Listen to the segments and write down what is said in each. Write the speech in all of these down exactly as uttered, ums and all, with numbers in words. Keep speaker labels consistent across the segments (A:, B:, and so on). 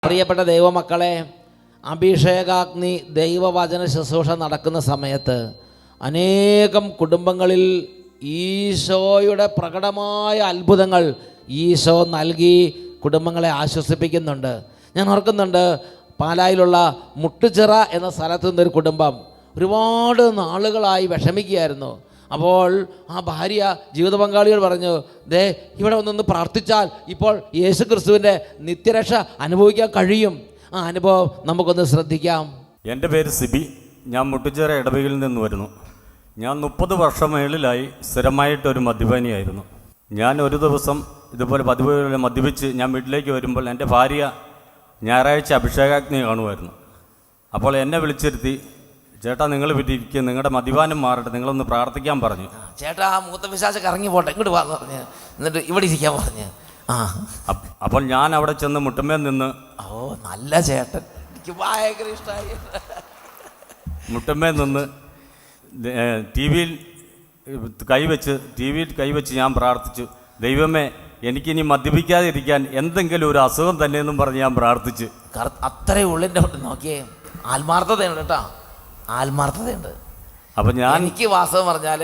A: പ്രിയപ്പെട്ട ദൈവമക്കളെ, അഭിഷേകാഗ്നി ദൈവവചന ശുശ്രൂഷ നടക്കുന്ന സമയത്ത് അനേകം കുടുംബങ്ങളിൽ ഈശോയുടെ പ്രകടമായ അത്ഭുതങ്ങൾ ഈശോ നൽകി കുടുംബങ്ങളെ ആശ്വസിപ്പിക്കുന്നുണ്ട്. ഞാൻ ഓർക്കുന്നുണ്ട്, പാലായിലുള്ള മുട്ടുചിറ എന്ന സ്ഥലത്തു നിന്നൊരു കുടുംബം ഒരുപാട് നാളുകളായി വിഷമിക്കുകയായിരുന്നു. അപ്പോൾ ആ ഭാര്യ ജീവിത പങ്കാളിയോട് പറഞ്ഞു, ദേ ഇവിടെ ഒന്നൊന്ന് പ്രാർത്ഥിച്ചാൽ ഇപ്പോൾ യേശു ക്രിസ്തുവിൻ്റെ നിത്യരക്ഷ അനുഭവിക്കാൻ കഴിയും. ആ അനുഭവം നമുക്കൊന്ന് ശ്രദ്ധിക്കാം.
B: എൻ്റെ പേര് സിബി. ഞാൻ മുട്ടുചിറ ഇടവകയിൽ നിന്ന് വരുന്നു. ഞാൻ മുപ്പത് വർഷം മേളിലായി സ്ഥിരമായിട്ടൊരു മദ്യപാനിയായിരുന്നു. ഞാൻ ഒരു ദിവസം ഇതുപോലെ പതിവ് മദ്യപിച്ച് ഞാൻ വീട്ടിലേക്ക് വരുമ്പോൾ എൻ്റെ ഭാര്യ ഞായറാഴ്ച അഭിഷേകാഗ്നി കാണുമായിരുന്നു. അപ്പോൾ എന്നെ വിളിച്ചിരുത്തി, ചേട്ടാ നിങ്ങൾ വിട്ടിരിക്കുക, നിങ്ങളുടെ മദ്യപാനം മാറട്ടെ, നിങ്ങളൊന്ന് പ്രാർത്ഥിക്കാൻ പറഞ്ഞു.
A: ചേട്ടാ ആ മൂത്ത പിശാചൊക്കെ ഇറങ്ങി പോട്ടെ, ഇങ്ങോട്ട് വാന്ന് പറഞ്ഞ്, എന്നിട്ട് ഇവിടെ ഇരിക്കാൻ പറഞ്ഞ്. ആ
B: അപ്പോൾ ഞാൻ അവിടെ ചെന്ന് മുട്ടുമേൽ നിന്ന്,
A: ഓ നല്ല ചേട്ടൻ, എനിക്ക് ഭയങ്കര ഇഷ്ടമായി.
B: മുട്ടുമേൽ നിന്ന് ടി വിയിൽ കൈവച്ച് ടി വിയിൽ കൈവച്ച് ഞാൻ പ്രാർത്ഥിച്ചു, ദൈവമേ എനിക്കിനി മദ്യപിക്കാതിരിക്കാൻ എന്തെങ്കിലും ഒരു അസുഖം തന്നെയെന്നും പറഞ്ഞ് ഞാൻ പ്രാർത്ഥിച്ചു.
A: അത്രയും ഉള്ളിൻ്റെ നോക്കിയേ, ആത്മാർത്ഥതയുണ്ട് കേട്ടോ, ആത്മാർത്ഥതയുണ്ട്.
B: അപ്പം ഞാൻ
A: എനിക്ക് വാസ്തവം പറഞ്ഞാൽ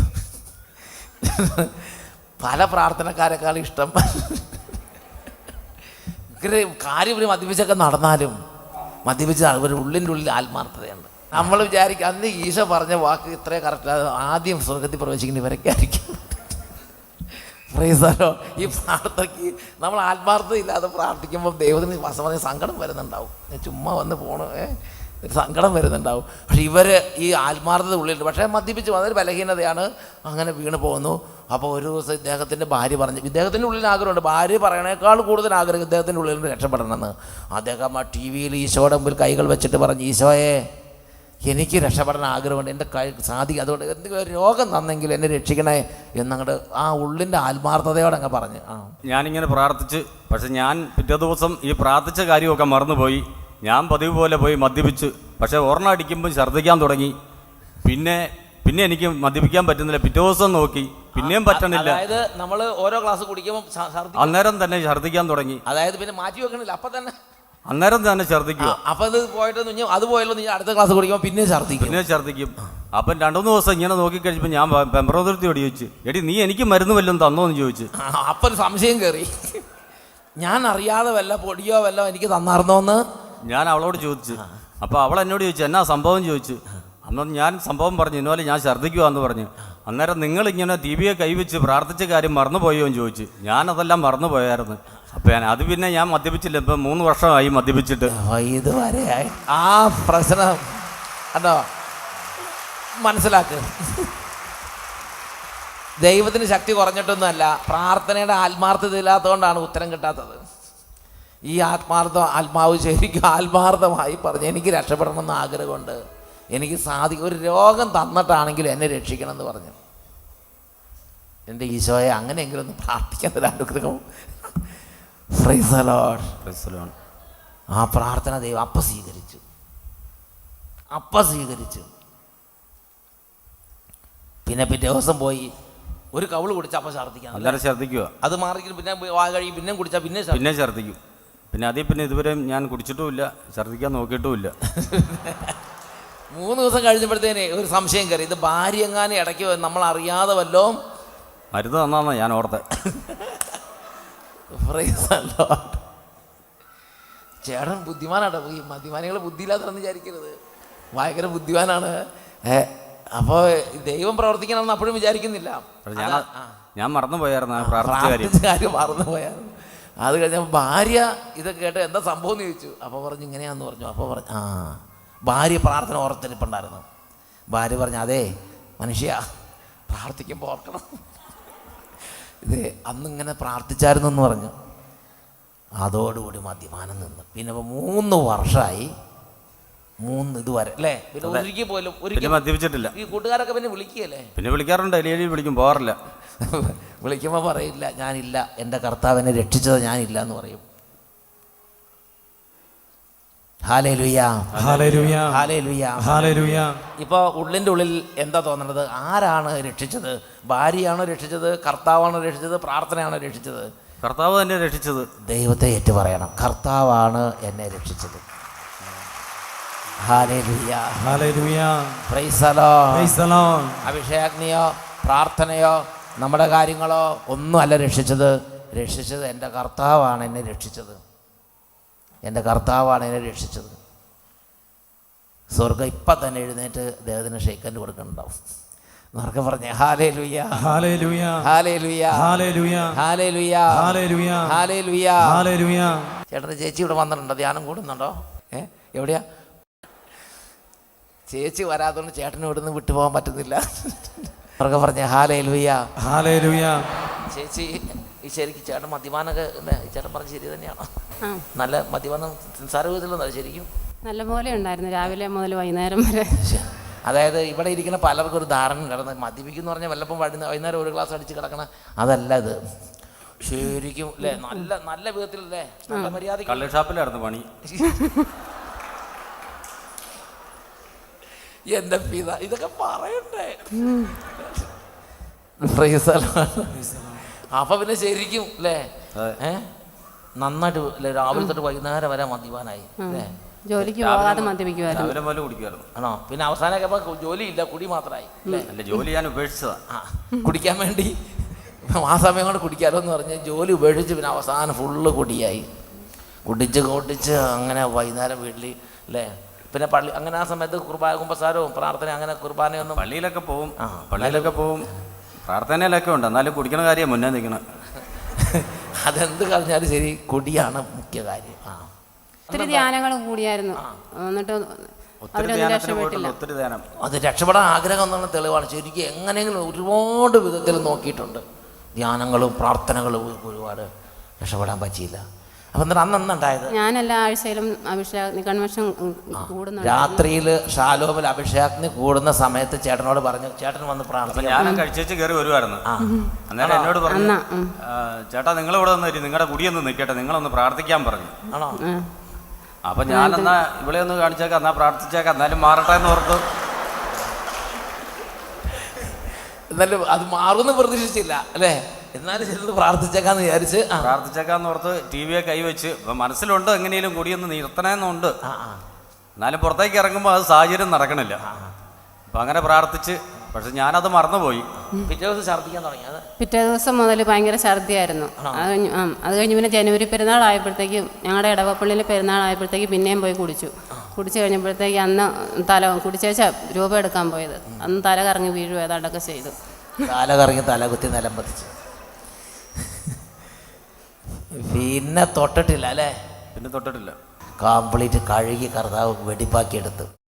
A: പല പ്രാർത്ഥനക്കാരെക്കാളും ഇഷ്ടം കാര്യം ഒരു മദ്യപിച്ചൊക്കെ നടന്നാലും മദ്യപിച്ച ഒരു ഉള്ളിൻ്റെ ഉള്ളിൽ ആത്മാർത്ഥതയുണ്ട്. നമ്മൾ വിചാരിക്കും അന്ന് ഈശോ പറഞ്ഞ വാക്ക് ഇത്രയും കറക്റ്റ്, ആദ്യം സ്വർഗത്തിൽ പ്രവേശിക്കുന്ന ഇവരൊക്കെ ആയിരിക്കും. പ്രൈസല്ലോ, ഈ പ്രാർത്ഥനയ്ക്ക് നമ്മൾ ആത്മാർത്ഥത ഇല്ലാതെ പ്രാർത്ഥിക്കുമ്പോൾ ദൈവത്തിന് വാസ്തവത്തിൽ സങ്കടം വരുന്നുണ്ടാവും. ചുമ്മാ വന്ന് പോണു സങ്കടം വരുന്നുണ്ടാവും. പക്ഷെ ഇവർ ഈ ആത്മാർത്ഥത ഉള്ളിലുണ്ട്. പക്ഷേ മദ്യപിച്ച് അതൊരു ബലഹീനതയാണ്, അങ്ങനെ വീണ് പോകുന്നു. അപ്പോൾ ഒരു ദിവസം ഇദ്ദേഹത്തിൻ്റെ ഭാര്യ പറഞ്ഞു, ഇദ്ദേഹത്തിൻ്റെ ഉള്ളിൽ ആഗ്രഹമുണ്ട്, ഭാര്യ പറയണേക്കാൾ കൂടുതൽ ആഗ്രഹം ഇദ്ദേഹത്തിൻ്റെ ഉള്ളിൽ നിന്ന് രക്ഷപ്പെടണമെന്ന്. അദ്ദേഹം ആ ടി വിയിൽ ഈശോയുടെ മുമ്പിൽ കൈകൾ വെച്ചിട്ട് പറഞ്ഞു, ഈശോയെ എനിക്ക് രക്ഷപ്പെടാൻ ആഗ്രഹമുണ്ട്, എൻ്റെ കൈ സാധിക്കും, അതുകൊണ്ട് എന്തെങ്കിലും ഒരു രോഗം തന്നെങ്കിൽ എന്നെ രക്ഷിക്കണേ എന്നങ്ങോട്ട് ആ ഉള്ളിൻ്റെ ആത്മാർത്ഥതയോടെ അങ്ങ് പറഞ്ഞ്. ആ
B: ഞാനിങ്ങനെ പ്രാർത്ഥിച്ച്, പക്ഷെ ഞാൻ പിറ്റേ ദിവസം ഈ പ്രാർത്ഥിച്ച കാര്യമൊക്കെ മറന്നുപോയി. ഞാൻ പതിവ് പോലെ പോയി മദ്യപിച്ച്, പക്ഷേ ഓർണ അടിക്കുമ്പോൾ ഛർദ്ദിക്കാൻ തുടങ്ങി. പിന്നെ പിന്നെ എനിക്ക് മദ്യപിക്കാൻ പറ്റുന്നില്ല. പിറ്റേ ദിവസം നോക്കി, പിന്നെയും പറ്റണില്ല.
A: അതായത് നമ്മൾ ഓരോ ഗ്ലാസ് കുടിക്കുമ്പോൾ
B: അന്നേരം തന്നെ ഛർദ്ദിക്കാൻ തുടങ്ങി.
A: അതായത് പിന്നെ മാറ്റി വെക്കണില്ല, അപ്പം തന്നെ
B: അന്നേരം തന്നെ ഛർദ്ദിക്കുക.
A: അപ്പം അത് പോയിട്ട് അത് പോയല്ലോ, നീ അടുത്ത ക്ലാസ് കുടിക്കുമ്പോൾ പിന്നെ ഛർദ്ദിക്കും
B: പിന്നെ ഛർദ്ദിക്കും. അപ്പം രണ്ടു മൂന്ന് ദിവസം ഇങ്ങനെ നോക്കിക്കഴിഞ്ഞപ്പോൾ ഞാൻ പെമ്പറോതിർത്തിയോട് ചോദിച്ചു, എടി നീ എനിക്ക് മരുന്ന് വല്ലതും തന്നോന്ന് ചോദിച്ചു.
A: അപ്പം ഒരു സംശയം കയറി, ഞാൻ അറിയാതെ വല്ല പൊടിയോ വല്ലോ എനിക്ക് തന്നാർന്നോന്ന്
B: ഞാൻ അവളോട് ചോദിച്ചു. അപ്പോൾ അവൾ എന്നോട് ചോദിച്ചു, എന്നാ സംഭവം ചോദിച്ചു. അന്ന് ഞാൻ സംഭവം പറഞ്ഞു, ഇന്നുപോലെ ഞാൻ ഛർദ്ദിക്കുവാന്ന് പറഞ്ഞു. അന്നേരം നിങ്ങളിങ്ങനെ ടി വിയെ കൈവച്ച് പ്രാർത്ഥിച്ച കാര്യം മറന്നുപോയോ എന്ന് ചോദിച്ചു. ഞാനതെല്ലാം മറന്നുപോയായിരുന്നു. അപ്പം ഞാൻ അത് പിന്നെ ഞാൻ മദ്യപിച്ചില്ല, ഇപ്പം മൂന്ന് വർഷമായി മദ്യപിച്ചിട്ട്.
A: ഇതുവരെ ആ പ്രശ്നം അതോ മനസ്സിലാക്ക്. ദൈവത്തിന് ശക്തി കുറഞ്ഞിട്ടൊന്നുമല്ല, പ്രാർത്ഥനയുടെ ആത്മാർത്ഥത ഇല്ലാത്തതുകൊണ്ടാണ് ഉത്തരം കിട്ടാത്തത്. ഈ ആത്മാർത്ഥ ആത്മാവ് ശരിക്കും ആത്മാർത്ഥമായി പറഞ്ഞു, എനിക്ക് രക്ഷപ്പെടണമെന്ന് ആഗ്രഹമുണ്ട്, എനിക്ക് സാധിക്കും, ഒരു രോഗം തന്നിട്ടാണെങ്കിലും എന്നെ രക്ഷിക്കണം എന്ന് പറഞ്ഞു. എൻ്റെ ഈശോയെ അങ്ങനെയെങ്കിലും ഒന്ന് പ്രാർത്ഥിക്കാൻ അനുഗ്രഹം. Praise the Lord.
B: Praise the Lord.
A: ആ പ്രാർത്ഥന ദൈവം അപ്പം സ്വീകരിച്ചു, അപ്പം സ്വീകരിച്ചു. പിന്നെ പിറ്റേ ദിവസം പോയി ഒരു കവിള് കുടിച്ചാൽ അപ്പം ഛർദ്ദിക്കാം,
B: അല്ലാതെ ഛർദ്ദിക്കുക.
A: അത് മാറിക്കും, പിന്നെ വാ കഴിയും, പിന്നെ കുടിച്ചാൽ പിന്നെ
B: പിന്നെ ഛർദ്ദിക്കും. പിന്നെ അതിൽ പിന്നെ ഇതുവരെ ഞാൻ കുടിച്ചിട്ടുമില്ല, ഛർദ്ദിക്കാൻ നോക്കിയിട്ടുമില്ല.
A: മൂന്ന് ദിവസം കഴിഞ്ഞപ്പോഴത്തേനെ ഒരു സംശയം കയറി, ഇത് ഭാര്യ എങ്ങാനും ഇടയ്ക്ക് നമ്മൾ അറിയാതെ വല്ലോ
B: മരുന്ന് തന്നാന്നാ ഞാൻ ഓർത്തെ.
A: ചേട്ടൻ ബുദ്ധിമാനാട്ടോ, ഈ മദ്യപാനികൾ ബുദ്ധിയില്ലാത്തതെന്ന് വിചാരിക്കരുത്, ഭയങ്കര ബുദ്ധിമാനാണ്. അപ്പോൾ ദൈവം പ്രവർത്തിക്കണമെന്ന് അപ്പോഴും വിചാരിക്കുന്നില്ല.
B: ഞാൻ മറന്നു പോയായിരുന്നു പ്രാർത്ഥിച്ച
A: കാര്യം മറന്നു പോയായിരുന്നു. അത് കഴിഞ്ഞപ്പോൾ ഭാര്യ ഇതൊക്കെ കേട്ട് എന്താ സംഭവം എന്ന് ചോദിച്ചു. അപ്പോൾ പറഞ്ഞു ഇങ്ങനെയാന്ന് പറഞ്ഞു. അപ്പോൾ പറഞ്ഞു ആ ഭാര്യ പ്രാർത്ഥന ഓർത്തിരിപ്പുണ്ടായിരുന്നു. ഭാര്യ പറഞ്ഞു, അതേ മനുഷ്യ പ്രാർത്ഥിക്കുമ്പോൾ ഓർക്കണം, ഇത് അന്നിങ്ങനെ പ്രാർത്ഥിച്ചായിരുന്നു എന്ന് പറഞ്ഞു. അതോടുകൂടി മദ്യപാനം നിന്ന് പിന്നെ ഇപ്പോൾ മൂന്ന് വർഷമായി, മൂന്ന് ഇതുവരെ അല്ലേ, പിന്നെ ഒരിക്കൽ പോലും ഒരിക്കലും
B: മദ്യപിച്ചിട്ടില്ല.
A: ഈ കൂട്ടുകാരൊക്കെ പിന്നെ വിളിക്കുകയല്ലേ,
B: പിന്നെ വിളിക്കാറുണ്ട്, എലിയലി വിളിക്കും, പോകാറില്ല.
A: വിളിക്കുമ്പോൾ പറയില്ല ഞാനില്ല, എൻ്റെ കർത്താവിനെ രക്ഷിച്ചത് ഞാനില്ല എന്ന് പറയും. Hallelujah, hallelujah, hallelujah, hallelujah. ഇപ്പോൾ ഉള്ളിൻ്റെ ഉള്ളിൽ എന്താ തോന്നുന്നത്? ആരാണ് രക്ഷിച്ചത്? ഭാര്യയാണോ രക്ഷിച്ചത്? കർത്താവാണോ രക്ഷിച്ചത്? പ്രാർത്ഥനയാണോ രക്ഷിച്ചത്?
B: കർത്താവ് തന്നെ രക്ഷിച്ചത്.
A: ദൈവത്തെ ഏറ്റു പറയണം, കർത്താവാണ് എന്നെ രക്ഷിച്ചത്. Hallelujah,
C: hallelujah,
A: praise the Lord.
C: Praise the Lord.
A: അഭിഷേകജ്ഞയോ പ്രാർത്ഥനയോ നമ്മുടെ കാര്യങ്ങളോ ഒന്നും അല്ല രക്ഷിച്ചത്. രക്ഷിച്ചത് എൻ്റെ കർത്താവാണ് എന്നെ രക്ഷിച്ചത്. എൻ്റെ കർത്താവാണ് എന്നെ രക്ഷിച്ചത്. സ്വർഗം ഇപ്പം തന്നെ എഴുന്നേറ്റ് ദേവത്തിന് ഷെയ്ക്കൻഡ് കൊടുക്കുന്നുണ്ടാവും. എന്നൊക്കെ പറഞ്ഞേ hallelujah,
C: hallelujah,
A: hallelujah,
C: hallelujah,
A: hallelujah,
C: hallelujah,
A: hallelujah.
C: Hallelujah.
A: ചേട്ടൻ്റെ ചേച്ചി ഇവിടെ വന്നിട്ടുണ്ടോ? ധ്യാനം കൂടുന്നുണ്ടോ? ഏ എവിടെയാ? ചേച്ചി വരാത്തതുകൊണ്ട് ചേട്ടന് ഇവിടുന്ന് വിട്ടുപോകാൻ പറ്റുന്നില്ല. അവർക്ക് പറഞ്ഞ ഹല്ലേലൂയ,
C: ഹല്ലേലൂയ.
A: ചേച്ചി ഈ ശരിക്കും ചേട്ടൻ മദ്യപാനൊക്കെ ചേട്ടൻ പറഞ്ഞ ശരി തന്നെയാണോ? നല്ല മദ്യപാനം നിസ്സാര വിധത്തിലൊന്നും ശരിക്കും
D: നല്ല പോലെ ഉണ്ടായിരുന്നു, രാവിലെ മുതൽ വൈകുന്നേരം വരെ.
A: അതായത് ഇവിടെ ഇരിക്കുന്ന പലർക്കും ഒരു ധാരണ കിടന്ന് മദ്യപിക്കുന്നു പറഞ്ഞാൽ വല്ലപ്പം വൈകുന്നേരം ഒരു ഗ്ലാസ് അടിച്ച് കിടക്കണ അതല്ല ഇത്. ശരിക്കും അല്ലേ നല്ല നല്ല വിധത്തിലല്ലേ നല്ല മര്യാദ.
B: കള്ള് ഷാപ്പിലായിരുന്നു പണി.
A: എൻ്റെ പിത ഇതൊക്കെ പറയണ്ടേ? അപ്പൊ പിന്നെ ശരിക്കും അല്ലേ ഏ നന്നായിട്ട് അല്ലേ രാവിലെ തൊട്ട് വൈകുന്നേരം വരെ മദ്യപാനായി അല്ലേ?
D: ജോലിക്ക് പോകാതെ മദ്യപിക്കുമായിരുന്നു.
B: രാവിലെ പോലെ കുടിക്കുമായിരുന്നു.
A: ആണോ? പിന്നെ അവസാനമൊക്കെ അപ്പൊ ജോലിയില്ല, കുടി മാത്രമായി അല്ലേ?
B: അല്ല, ജോലി ഞാൻ ഉപേക്ഷിച്ചതാ.
A: ആ കുടിക്കാൻ വേണ്ടി ആ സമയം കൊണ്ട് കുടിക്കാമല്ലോ എന്ന് പറഞ്ഞ് ജോലി ഉപേക്ഷിച്ച് പിന്നെ അവസാനം ഫുള്ള് കുടിയായി. കുടിച്ച് കുടിച്ച് അങ്ങനെ വൈകുന്നേരം വീട്ടിൽ അല്ലേ? പിന്നെ പള്ളി അങ്ങനെ ആ സമയത്ത് കുർബാന കുമ്പസാരവും പ്രാർത്ഥന അങ്ങനെ കുർബാനയൊന്നും.
B: പള്ളിയിലൊക്കെ പോവും, പള്ളിയിലൊക്കെ പോവും, പ്രാർത്ഥനയിലൊക്കെ ഉണ്ട്. എന്നാലും കുടിക്കണ കാര്യം മുന്നേ നിൽക്കണം.
A: അതെന്ത് കളഞ്ഞാലും ശരി, കുടിയാണ് മുഖ്യ കാര്യം. ആ
D: ഒത്തിരി ധ്യാനങ്ങൾ കൂടിയായിരുന്നു. എന്നിട്ട് അതിലൊന്നും രക്ഷപ്പെട്ടില്ല.
B: ഒത്തിരി ധ്യാനം
A: അത് രക്ഷപ്പെടാൻ ആഗ്രഹം എന്നുള്ള തെളിവാണ്. ശരിക്കും എങ്ങനെയെങ്കിലും ഒരുപാട് വിധത്തിൽ നോക്കിയിട്ടുണ്ട്. ധ്യാനങ്ങളും പ്രാർത്ഥനകളും ഒരുപാട് രക്ഷപ്പെടാൻ പറ്റിയില്ല. അപ്പം എന്നിട്ട് അന്ന് എന്നുണ്ടായത്
D: ഞാൻ എല്ലാ ആഴ്ചയിലും അഭിഷേക കൺവെൻഷൻ കൂടുന്നുണ്ട്.
A: രാത്രിയിൽ ഷാലോമിൽ അഭിഷേകത്തിന് കൂടുന്ന സമയത്ത് ചേട്ടനോട് പറഞ്ഞു, ചേട്ടൻ വന്ന് പ്രാർത്ഥന.
B: ഞാൻ കഴിച്ചേച്ച് കയറി വരുമായിരുന്നു. അന്നേരം എന്നോട് പറഞ്ഞു, ചേട്ടാ നിങ്ങളിവിടെ വന്നിട്ട് നിങ്ങളുടെ കുടിയൊന്ന് നിൽക്കട്ടെ, നിങ്ങളൊന്ന് പ്രാർത്ഥിക്കാൻ പറഞ്ഞു.
A: ആണോ?
B: അപ്പൊ ഞാൻ എന്നാ ഇവിടെ ഒന്ന് കാണിച്ചേക്കാം, എന്നാ പ്രാർത്ഥിച്ചേക്കാം, എന്നാലും മാറട്ടെ എന്ന് ഓർത്തു.
A: എന്നാലും അത് മാറുമെന്ന് പ്രതീക്ഷിച്ചില്ല അല്ലേ? എന്നാലും ചെന്ന് പ്രാർത്ഥിച്ചേക്കാന്ന് വിചാരിച്ച്
B: പ്രാർത്ഥിച്ചേക്കാന്ന് ഓർത്ത് ടി വിയെ കൈവച്ച് മനസ്സിലുണ്ട് എങ്ങനെയും കുടിയൊന്ന് നിർത്തണമെന്നുണ്ട്. എന്നാലും പുറത്തേക്ക് ഇറങ്ങുമ്പോൾ അത് സാഹചര്യം നടക്കണില്ല. അപ്പം അങ്ങനെ പ്രാർത്ഥിച്ച്, പക്ഷെ ഞാനത് മറന്നുപോയി.
A: പിറ്റേ ദിവസം ഛർദ്ദിക്കാൻ തുടങ്ങി. അത്
D: പിറ്റേ ദിവസം മുതൽ ഭയങ്കര ഛർദിയായിരുന്നു. അത് കഴിഞ്ഞ് ആ അത് കഴിഞ്ഞ് പിന്നെ ജനുവരി പെരുന്നാളായപ്പോഴത്തേക്കും ഞങ്ങളുടെ ഇടവപ്പള്ളിയിൽ പെരുന്നാളായപ്പോഴത്തേക്ക് പിന്നെയും പോയി കുടിച്ചു. കുടിച്ചു കഴിഞ്ഞപ്പോഴത്തേക്ക് അന്ന് തല കുടിച്ചേച്ച രൂപ എടുക്കാൻ പോയത്. അന്ന് തല കറങ്ങി വീഴും ഏതാണ്ടൊക്കെ ചെയ്തു.
A: തല കറങ്ങി തല കുത്തി നിലം പതിച്ചു. പിന്നെ തൊട്ടിട്ടില്ല അല്ലേ?
B: പിന്നെ തൊട്ടിട്ടില്ല.
A: കംപ്ലീറ്റ് കഴുകി കർത്താവ് വെടിപ്പാക്കി എടുത്തു.